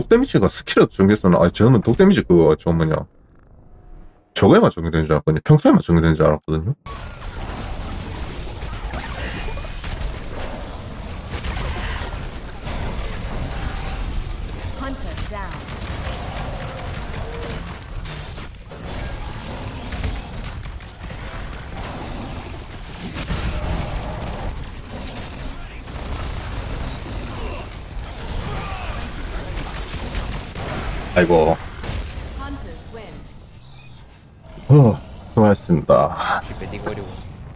독 데미지가 스킬에도 적용됐었나? 아니 저는 독 데미지 그거 저 뭐냐 저거에만 적용되는 줄 알았거든요. 평소에만 적용되는 줄 알았거든요. Hunter down. 아이고. Hunters win. 수고하셨습니다. 혹시 매딩거리고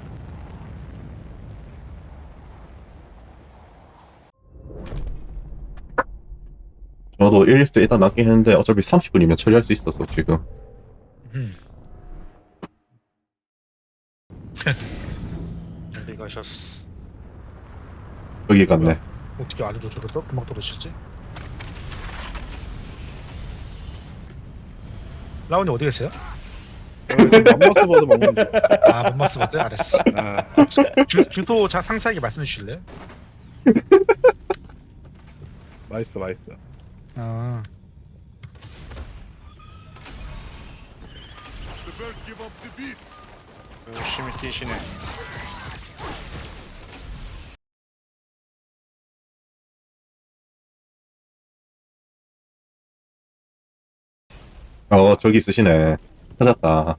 저도 1리스트 일단 낫긴 했는데 어차피 30분이면 처리할 수 있어서 지금. 어디 가셨어? 여기 갔네. 어떻게 안으로 저랬어? 금방 떨어지셨지? 라온이 어디 계세요? 맘마스 버드 먹는데. 아, 맘마스 버드? 알았어. 아, 주도 상세하게 말씀해 주실래요? 맛있어, 맛있어. 아, 열심히 뛰시네. 저기 있으시네. 찾았다.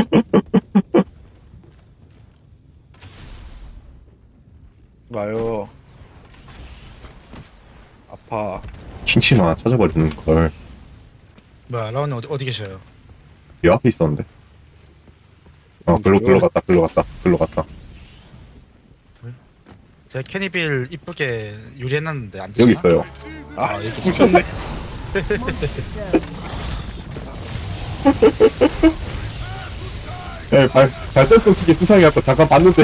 와요. 아파. 킹치마 찾아버리는 걸. 뭐야, 라온이 어디 계셔요? 이 앞에 있었는데. 글로 갔다. 제가 캐니빌 이쁘게 유리해놨는데 안 되시나? 여기 있어요. 아, 여기 붙였네. Monster down. 네, 발전 끊기게 수상해 갖고 잠깐 봤는데.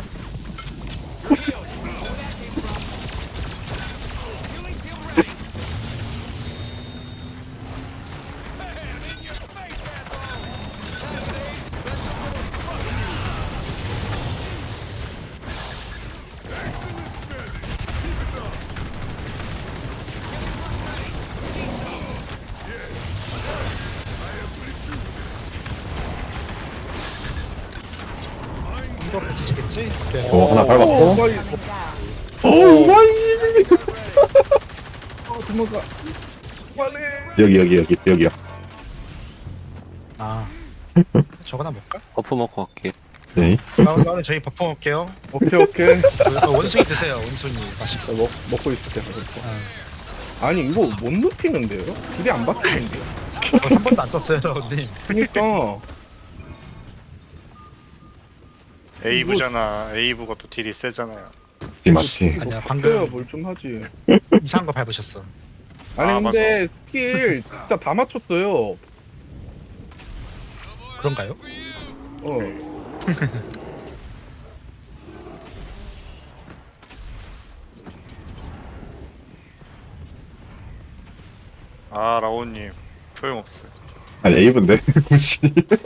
이거 붙이겠지? 그래. 하나 밟았고. 빨리. 오, 와이. 도망가. 빨리. 여기요. 아, 저거나 먹까? 버프 먹고 갈게요. 네. 라온이 저희 버퍼 먹게요. 오케이, 오케이. 원숭이 드세요. 원숭이 맛있어. 먹고 있을게. 아니, 이거 못 눕히는데요? 길이 안 바뀌는데요? 한 번도 안 썼어요, 라온님. 그니까. 에이브잖아. 에이브가 또 딜이 세잖아요. 맞지. 아니야, 방금 방금 뭘좀 하지. 이상한 거 밟으셨어. 아니, 아, 근데 스킬 진짜 다 맞췄어요. 그런가요? 어. 아 라온님 소용없어요. 아니 에이브인데 굳이.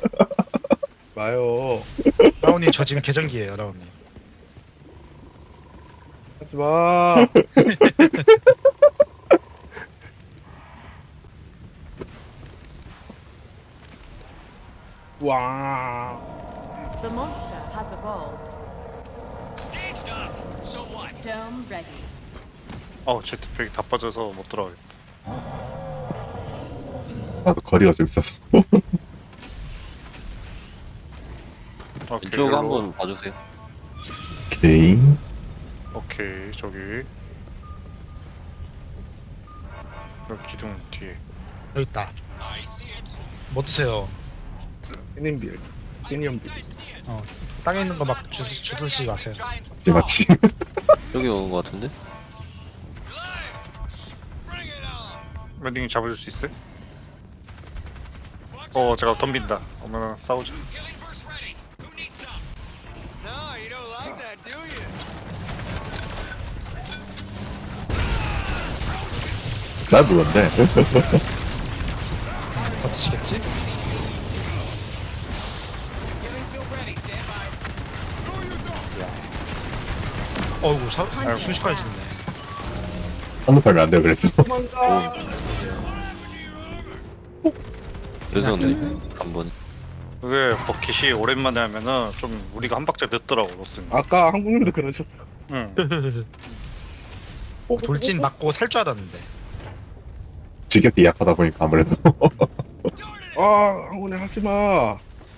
마요. 라온님 저 지금 계정기예요, 라온님. 하지 마. 와. The monster has evolved. Dome ready. 제트팩이 다 빠져서 못 들어가겠다. 나도 거리가 좀 있어서. 오케이, 왼쪽 일로. 한번 봐주세요. 오케이. 오케이 저기 여기 기둥 뒤에. 여기 있다. 뭐 드세요? 캐닌빌. 캐니언빌. 땅에 있는 거 막 주듯이 가세요. 맞지. 여기 오는 것 같은데? 멜링이 잡아줄 수 있어요? 제가 덤빈다. 어머나 싸우자. 날 물었네. 버티시겠지? 어이구, 순식간에 죽네. 한눈 팔면 안 돼요 그래서. 도망가. 늦었네. 한 번. 그게 버킷이 오랜만에 하면은 좀 우리가 한 박자 늦더라고 로스는. 아까 한국님도 그러셨어. 응. 돌진 맞고 살 줄 알았는데. 지겹게 약하다 보니까 아무래도. 아, 한국님 하지 마.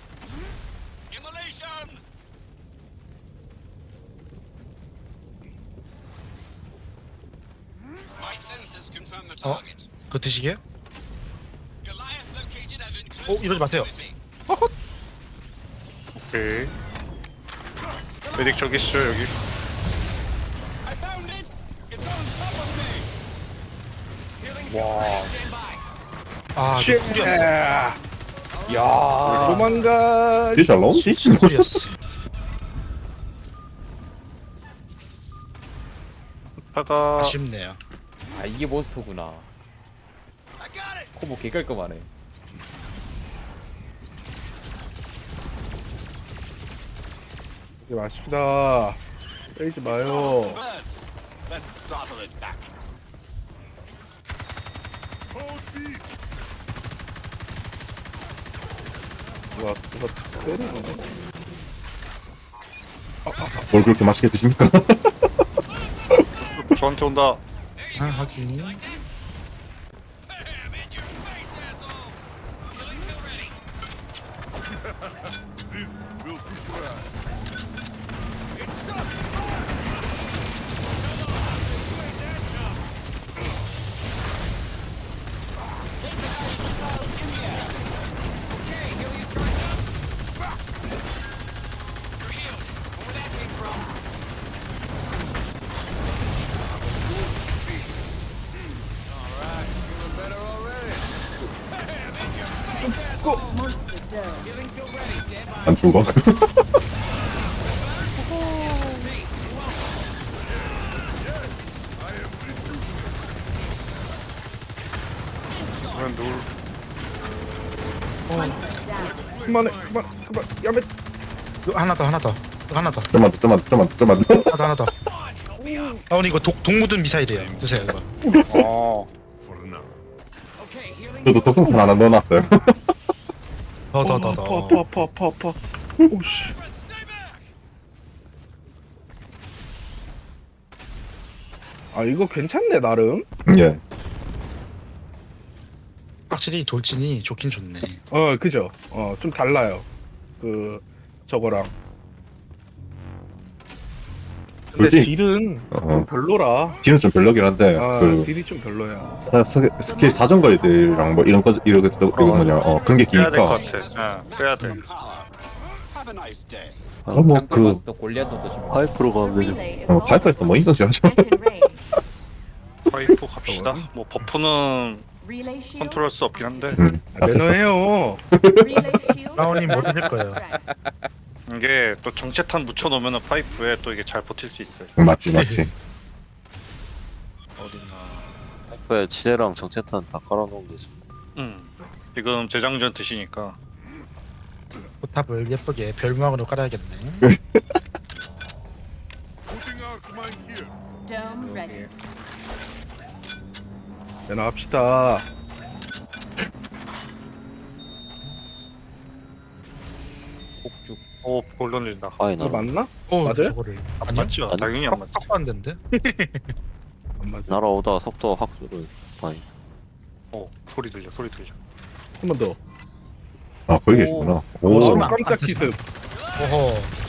그거 드시게요? 이러지 마세요. 오케이. 메딕 저기 있어 여기. 아, 쉣. 이거 꿀이었어. 야, 도망가. 진짜 런지? 진짜 꿀이었어. 파가 아쉽네요. 아 이게 몬스터구나. 코보 개깔끔하네. 이제 마십시다. 빼지 마요. 와, 누가 때리네. 뭘 그렇게 맛있게 드십니까? 저한테 온다. 아, 하긴. Monster dome. 안 죽어. 그러면 누울. Hunter down. 그만해, 그만. 야매. 이거 하나 더, 하나 더. 이거 하나 더. 좀만 더, 좀만 더. 하나 더, 하나 더. 아, 오늘 이거 독 묻은 미사일이에요. 드세요, 이거. 어. 저도 독성탄 하나 넣어놨어요. 더. 아파. 오씨. 아, 이거 괜찮네, 나름. 예. 확실히 돌진이 좋긴 좋네. 그죠. 좀 달라요. 저거랑. 근데 돌진? 딜은 어. 별로라. 뒤는 좀 별로긴 한데, 딜이 좀 별로야. 스킬 사정거리들이랑 뭐 이런 거, 이거 뭐냐, 그런 게 빼야 될 것 기니까. 같아. 응. 빼야 돼. 뭐, 깡패 마스터 골리앗 어떠십니까? 파이프로 가면 되죠. Relay is lost. 파이프에서 뭐 인성질 하죠. Get in range. 파이프 갑시다. 뭐 버프는 Relay shield. 컨트롤할 수 없긴 한데 매너해요. Relay shield. 라온님 모르실 거예요. Strength. 이게 또 정체탄 묻혀놓으면 파이프에 또 이게 잘 버틸 수 있어요. 맞지. 어딨나. 파이프에 지뢰랑 정체탄 다 깔아놓으면 되죠. 지금 재장전 드시니까 포탑을 예쁘게 별모양으로 깔아야겠네. Dome ready. 매너합시다. 폭죽. 골 던진다. 이거 파이널. 맞나? 오, 맞아요? 저거를. 안 아니요? 맞죠? 아니. 당연히 안 맞지. 딱 봤는데. 안 맞아. 날아오다가 속도가 확 줄어요. 파이. 소리 들려. 한 번 더. 아, 거기 계시구나. 오. 오, 얼마- 깜짝 안 기습. 오호.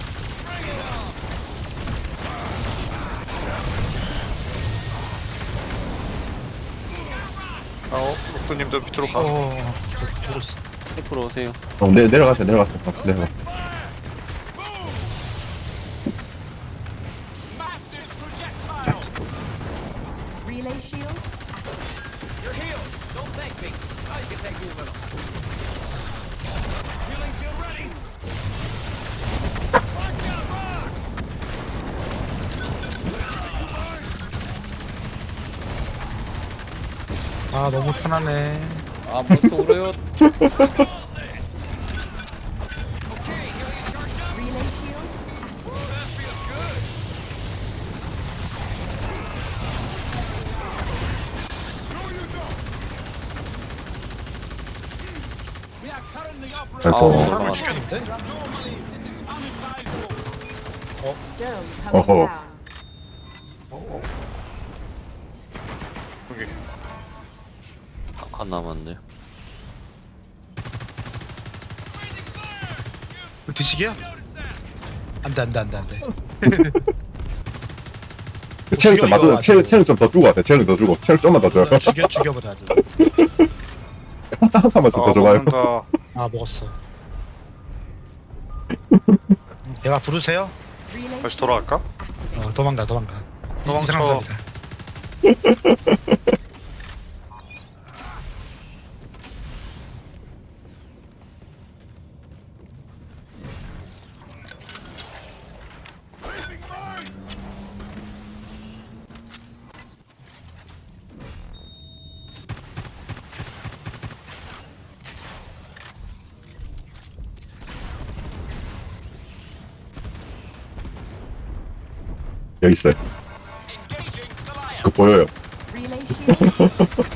로스님도 밑으로 가. 저거 있어. 파이프로 오세요. 내려가세요. 내려가. Relay shield. 아, 너무 편하네. 아 몬스터 울어요. Relay shield. 아이고. 사람을 죽였는데? Dome coming 어허. down. 여기. 한칸 남았네. 드시게요? 안돼. 체력 좀 죽여, 맞아. 이거 체력 좀 더 주고 왔대. 체력 더 주고. 체력 좀만 더 줘요. 죽여버려 아주. 한 칸만 좀 더 줘봐요. 먹는다. 아 먹었어. 얘가 부르세요? Relay 다시 shield 돌아갈까? activated. 도망가. 도망쳐. 이상한 여기 있어요. 그 보여요. Relay shield.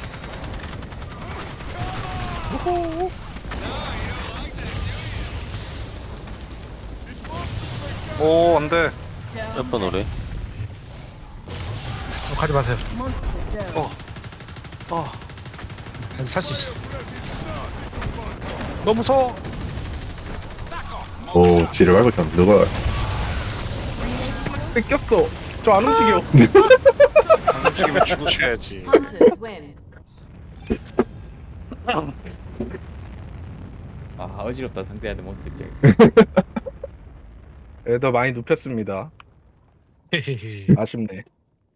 오, 안 돼. Dome. 몇번 오래? 가지 마세요. Monster dome. 살 수 있어. 너무 무서워. 오, 지를 말고 좀 누가. 뺏겼어. 저 안 움직여. 안 움직이면 죽으셔야지. Hunters win. 아 어지럽다 상대하는 몬스터 입장에서. 애더 많이 눕혔습니다. 아쉽네.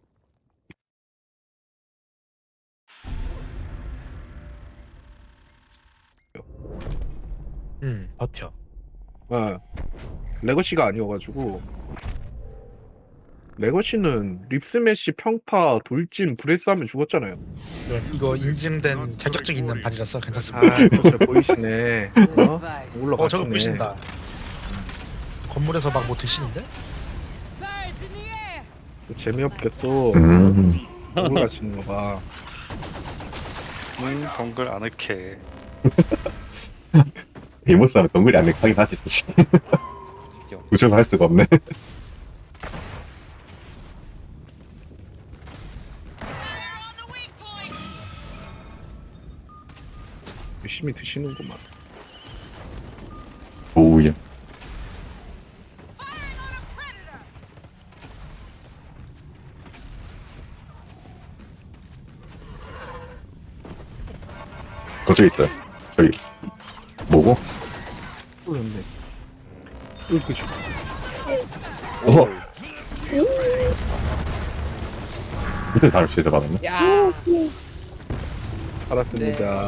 버텨. 어. 레거시가 아니어가지고. 레거시는 립스매시, 평파, 돌진, 브레스 하면 죽었잖아요. 이거 인증된 자격증 있는 발이라서 괜찮습니다. 아, 진짜 보이시네. 어? 올라갔네. 저거 보신다. 건물에서 막 뭐 드시는데? 재미없게 또 올라가시는 거 봐. 동글 아늑해. 데모스하면 동글이 안 하긴 하지, 사실. 구조를 할 수가 없네. 열심히 드시는구만. 오우야. 그쪽에 있어요. 저기. 뭐고? 그런데. 이렇게 죽. 어허. 밑에 사람 진짜 받았네. 야. 알았습니다.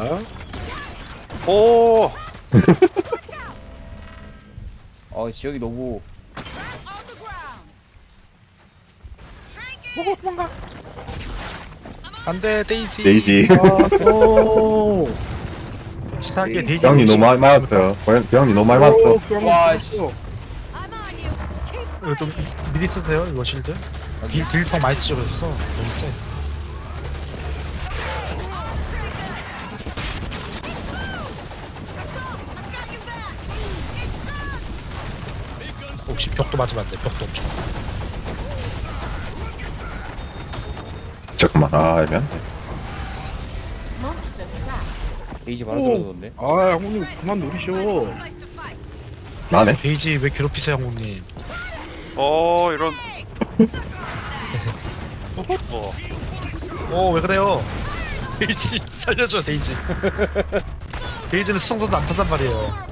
오, 지역이 너무 도망가. 안돼 데이지. 데이지. 아, 오. 확실하게 데이지. 병이 너무 많이 맞았어요. 병이 너무 많이 맞았어. 와, 씨. 이거 좀 미리 쓰세요 이거 실드. 딜펑 많이 쓰죠 그래서 너무 세. 혹시 벽도 맞으면 안 돼. 벽도 엄청. 잠깐만, 애매한데. Monster trap. 베이지 바로 들어오던데. 아, 형님 그만 노리셔. 나네. 데이지 왜 괴롭히세요 형님? 이런. 죽어. 왜 그래요? 데이지 살려줘 데이지. 데이지는 수성선도 안 탄단 말이에요.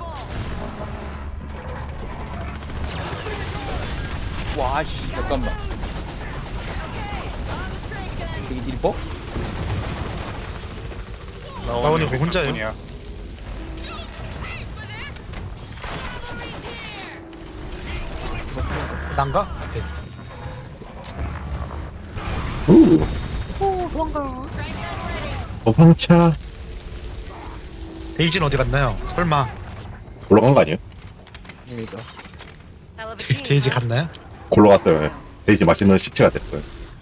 와, 씨. 잠깐만. 되게 딜퍼? 나원이 왜 혼자예요? 뿐이야. 난가? 네. 도망가. 도망차. 데이지는 어디 갔나요? 설마 올라간 거 아니에요? 입니다. 데이지 갔나요? 골로 갔어요. 예. 데이지 맛있는 시체가 됐어요.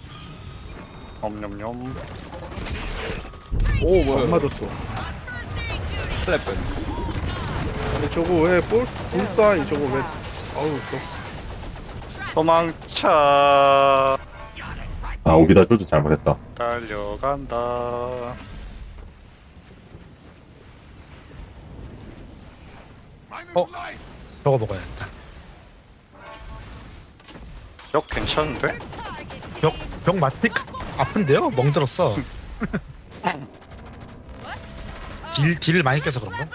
엄냠냠. 오, 뭐야. 안 맞았어. 클랩. 근데 저거 왜 불사이 저거 왜 아우 도망쳐. 아, 오비다 쫄도 잘못했다. 달려간다. 저거 먹어야겠다. 역 괜찮은데? 병 맞지? 아픈데요? 멍들었어. 딜을 많이 깨서 그런가?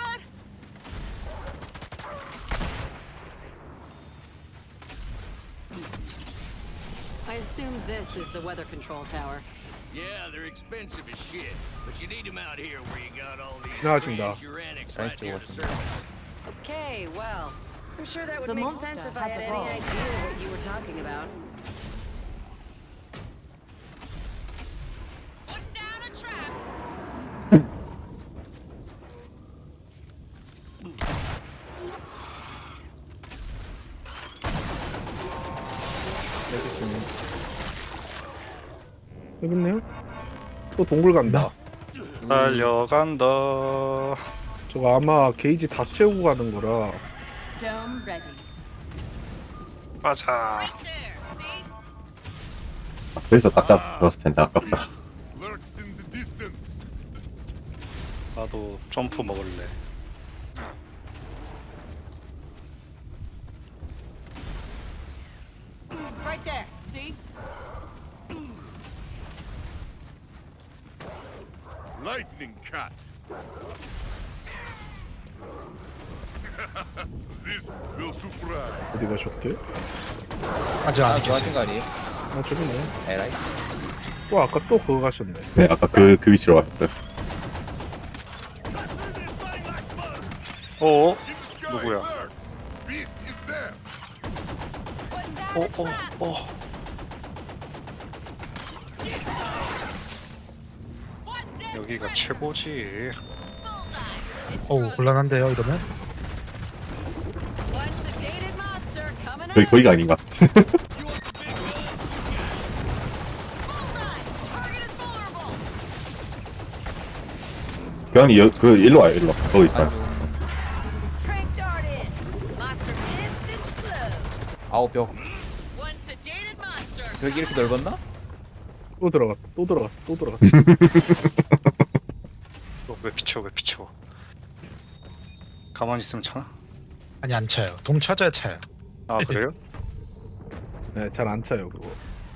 I assume this is the weather control tower. Yeah, they're expensive as shit, but you need them out here where you got all these 지나가신다. strange uranics Nice right near the to surface. Okay, well, I'm sure that would the make monster sense if I has had any evolved. idea what you were talking about. Putting down a trap. 여기 있네요? 또 동굴 간다. 달려간다. 저거 아마 게이지 다 채우고 가는 거라. Dome ready. 가자. There, see? 그래서 딱 잡았을 텐데, 아깝다. 나도 점프 먹을래. Right there. See? Lightning cat. This will surprise. 어디 가셨대? 아직 안 좋아하신 계시. 거 아니에요? 아, 저기 있네. 에라이. 또 아까 또 그거 가셨네. 네, 아까 그 위치로 가셨어요. 어? In the sky 누구야? alerts. Beast is there. 여기가 최고지. 어우 곤란한데요 이러면? One sedated monster coming 여기 up. 거기가 아닌가? Bullseye. Target is vulnerable. 교환이 그 일로 와요, 일로. 거기 있어요. Trank dart in. Monster pissed and slow. 아우 벽. One sedated monster. 벽이 이렇게 넓었나? 또 들어갔다. 또 들어갔다. 또 들어갔다. 왜 비켜 왜 비켜. 가만히 있으면 차나? 아니 안 차요. 돔 찾아야 차요. 아 그래요? 네, 잘 안 차요, 그거.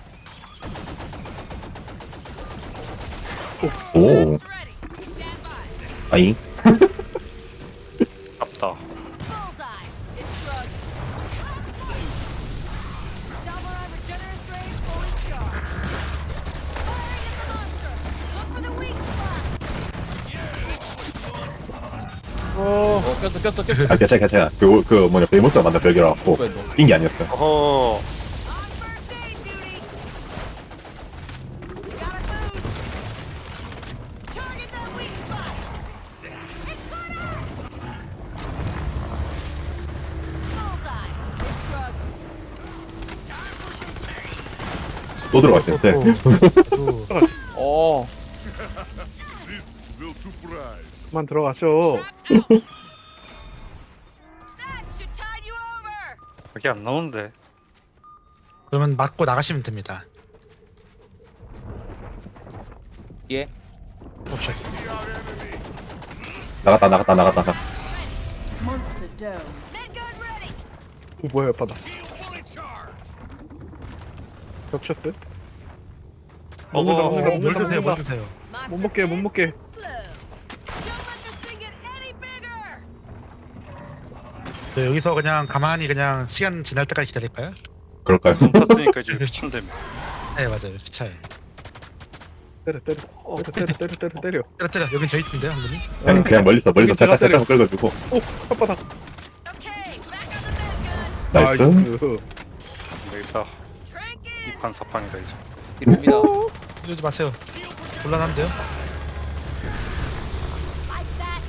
오, Ready. Stand by. 아잉. 아프다. Bullseye. It's drugged. Salvor regenerative ray fully charged. Firing at the monster. Look for the weak spots. 꼈어. 아, 괜찮아. 그 뭐냐, 베이모스가 만든 벽이라 갖고, 뭐야, 너. 낀 게 아니었어요. 어허. On first aid duty. Gotta move. Target that weak spot. It's got out. Bullseye. It's drugged. 또 들어갔는데. 아주 어. This will surprise. 그만 들어가셔. That should tide you over. 여기 안 나오는데. 그러면 맞고 나가시면 됩니다. 예. 그렇죠. 나갔다. Monster dome. Medgun ready. 오, 뭐야, 바다. Fully charged. 겹쳤대? 어허. 먹는다, 뭘 드세요? 뭘 먹는다. 드세요? 못 먹게, 못 먹게. Slow. Don't let this thing get any bigger. 네, 여기서 그냥 가만히 그냥 시간 지날 때까지 기다릴까요? 그럴까요? 돈 탔으니까 이제 귀찮다며. 네 맞아요. 차요. 때려. 때려. 여긴 저 있는데 한 분이. 그냥 멀리서 살짝 끌어주고. 오, 혓바닥. Okay, back on the medgun. 나이스. 여기다 Trank in. 이판 사판이다 이제. 이릅니다. 이러지 마세요. 곤란한데요? Like that.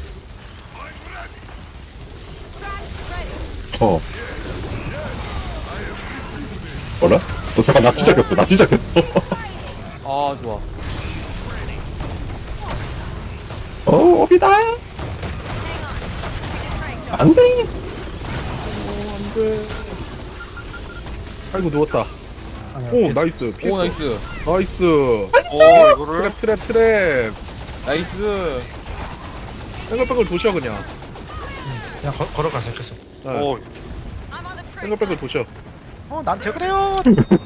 Trap ready. 어. 뭐라? 잠깐, 나 진짜 꼈어. 아 좋아. 오비다. 안 돼! 안돼. 아이고 누웠다. 오 나이스. 오 피했어. 나이스. 나이스. 오 이거를 트랩. 나이스. 뺑글뺑글 도셔 그냥. 그냥 걸어가세요 계속. 네. 오 I'm on the train. 뺑글뺑글 도셔. 나한테 그래요.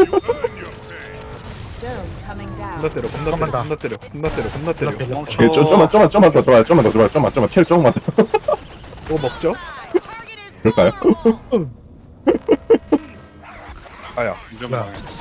Dome coming down. 겁나 때려. 겁나 때려. 겁나 때려. 멈춰. 예, 좀만 더 좋아요. 좀만. 체력 조금만 더. 이거 먹죠? Target is 그럴까요? 아야. 이점 야. 당했어.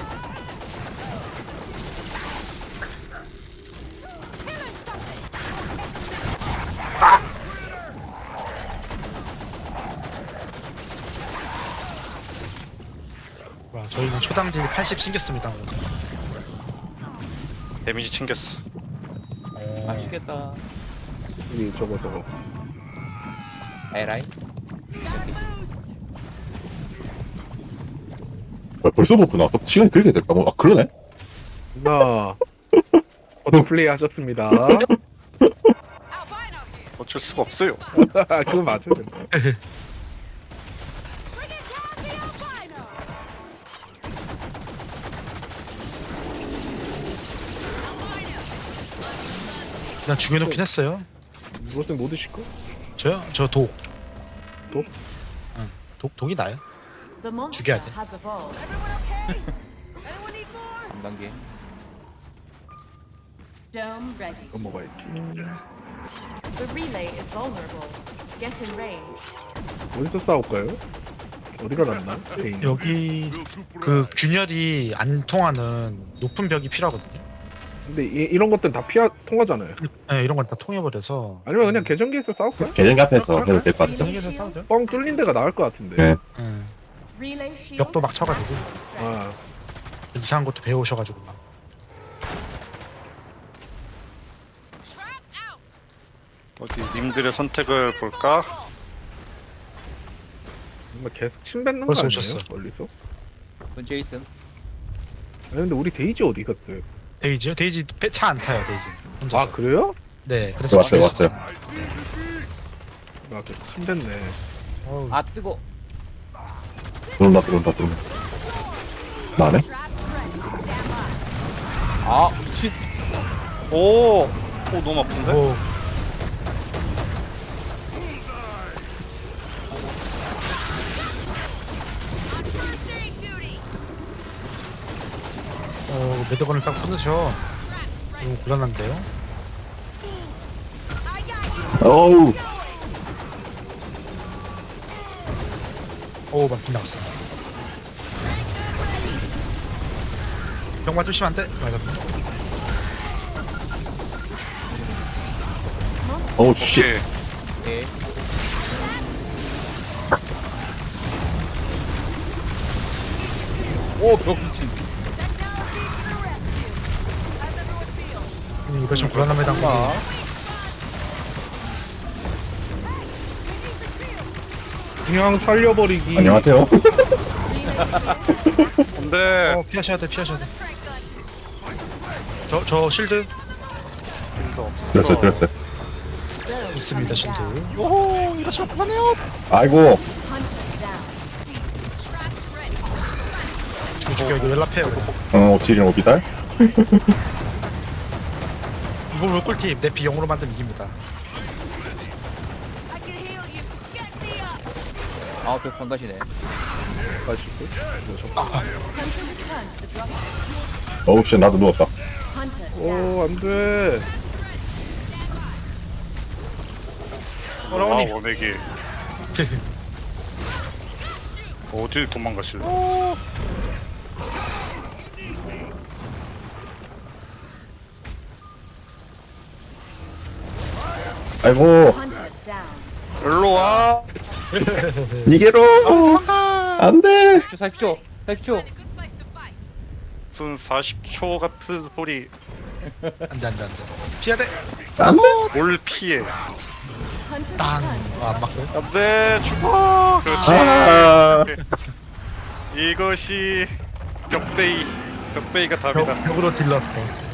와, 저희는 초당 딜 80 챙겼습니다. 데미지 챙겼어. 맛있겠다. 여기 저거. 에라이. 벌써 버프 나왔어? 시간이 그렇게 됐다. 아, 그러네? 나 어떤 플레이 하셨습니다. albino here. 어쩔 수가 없어요. 그거 맞아요. Bring it down the albino. 그냥 죽여놓긴 했어요. 무엇은 못 드실 거? 저요? 저 독. 독? 응. 독이 나요. The monster 죽여야 돼. has evolved. Everyone okay? Anyone need more? 3단계. Dome ready. 이거 먹어야지. The relay is vulnerable. Get in range. 어디서 싸울까요? 어디가 낫나? 개인. 여기 Will surprise. 그 균열이 안 통하는 높은 벽이 필요하거든요. 근데 이런 것들은 다 통하잖아요. 네, 이런 건 다 통해버려서. 아니면 그냥 계정기에서 싸울까? 계정기 앞에서 해도 될 것 같아. 정리해서 싸우죠. 뻥 뚫린 데가 나을 것 같은데. 네. 응. Relay shield. 벽도 막 쳐가지고 아, 이상한 것도 배우셔가지고 막. Trap out. 어디 님들의 선택을 볼까? 정말 계속 침 뱉는 거 벌써 아니에요? 오셨어. 멀리서? 본 제이슨. 아니 근데 우리 데이지 어디 갔어요? 데이지요? 데이지 차 안 타요, 데이지. 혼자서. 아 그래요? 네, 그래서 왔어요. 아 계속 침 뱉네. 어우, 아 뜨거. 들어온다. 나네? Trap ready. Stand by. 아 미친. 오 너무 아픈데? 오, First aid duty. 매듭건을 딱 끊으셔. 이거 곤란한데요? I got you. 어우. 오, 막 빗나갔어. 병 맞으시면 안 돼. 맞아. 어우, 씨. 오케이. 네. 오벽 미친. 이거 좀 곤란합니다. 그냥 살려버리기. 안녕하세요. 안돼. 피하셔야 돼. 저 실드 들었어요. Dome 있습니다, coming 실드. down. 오, 이러시면 그만해요. 아이고. Hunter down. Traps ready. 죽여, 이거 연락해요. 옵시린 오비달. 이거 왜 꿀팁? 내 비용으로 만들면 이깁니다. I can heal you. Get me up. 아벽 성가시네. 가시고. Hunter return to the drop. 어우, 씨, 나도 누웠다. Hunter down. 오 안돼. 라온이. 원액이 어딜 도망가실래? 아이고. Hunter down. 일로 와. 니게로. 안 돼. 40초. A good place to fight. 무슨 40초 같은 소리. 안 돼. 피해야 돼. 안 돼. 뭘 피해? Hunter 땅. return. 안 맞고요. 안돼 죽어. 그렇지. 아. 이것이 벽베이가 답이다. 벽으로 딜러.